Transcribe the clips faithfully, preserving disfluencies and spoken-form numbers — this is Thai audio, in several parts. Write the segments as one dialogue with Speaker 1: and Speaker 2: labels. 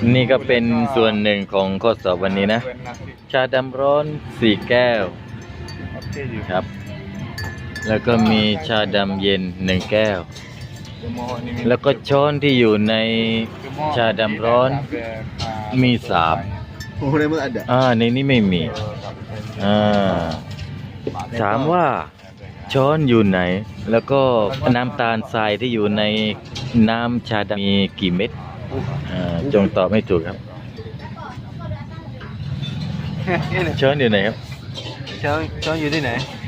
Speaker 1: นี่ก็เป็นส่วนหนึ่งของข้อสอบวันนี้นะ ชาดำร้อนสี่แก้วครับ แล้วก็มีชาดำเย็นหนึ่งแก้ว แล้วก็ช้อนที่อยู่ในชาดำร้อนมีสาม
Speaker 2: โอ้ในมืออันเด
Speaker 1: อ่าในนี้ไม่มีอ่าถามว่าช้อนอยู่ไหน แล้วก็น้ำตาลทรายที่อยู่ในน้ำชาดำมีกี่เม็ดอ่าจงตอบให้ถูกครับ ช้อนอยู่ไหนครับ
Speaker 2: ช้อนช้อนอยู่ที่ไหน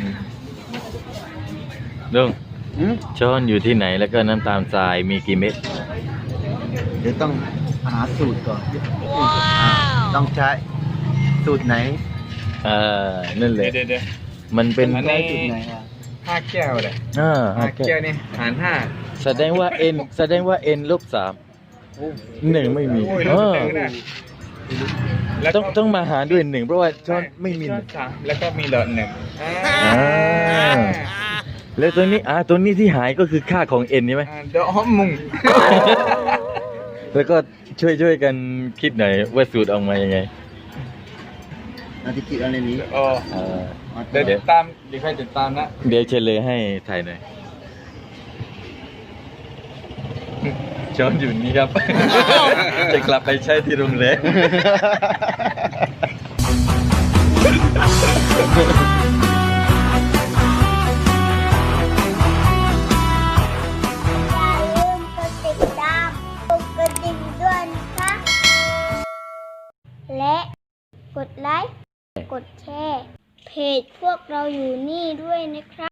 Speaker 1: ลุงช้อนอยู่ที่ไหนแล้วก็น้ำตาลทรายมีกี่เม็ด
Speaker 2: เดี๋ยวต้องหาสูตรก่อนต้องใช้สูตรไหน
Speaker 1: อ่านั่นแหละ
Speaker 3: เดี๋ยวเดี๋ยว
Speaker 1: มันเป็น
Speaker 3: อันนี้
Speaker 2: สูตรไหนอ่ะ
Speaker 3: ห้าแก้วเลย
Speaker 1: อ่า
Speaker 3: ห้า
Speaker 1: ห้าแก้
Speaker 3: แก้ว
Speaker 1: ว
Speaker 3: นี่หารห้า
Speaker 1: แสดงว่า n แสดงว่า n ลบสามหนึ่งไม่มี
Speaker 3: โอ้ย
Speaker 1: เออ
Speaker 3: แล้วนะแล้ว
Speaker 1: ต้องต้องมาหารด้วยหนึ่งเพราะว่าช้อนไม่มีห
Speaker 3: ช้อ
Speaker 1: นึ่
Speaker 3: น
Speaker 1: ง
Speaker 3: สามแล้วก็มีหลอดหนึ่งอ่า
Speaker 1: อ่า แล้วตัวนี้อ่าตัวนี้ที่หายก็คือค่าของ n ใช่ไหม
Speaker 3: อ่าเดอกมุง
Speaker 1: แล้วก็ช่วยช่วยกันคิดหน่อยว่าสูตรออกมายังไง
Speaker 2: นาทีกิจอะไรนี้
Speaker 3: โอ้
Speaker 1: อ่า
Speaker 3: เดี๋ยวติดตามเดี๋ยวใครติดตามนะ
Speaker 1: เดี๋ยวเฉลยให้ถ่ายหน่อยช้อนอยู่นี่ครับ จะกลับไปใช้ที่โรงแรม
Speaker 4: อย่าลืมกดติดตามกดกระดิ่งด้วยนะคะ และกดไลค์ กดแชร์ เพจพวกเราอยู่นี่ด้วยนะครับ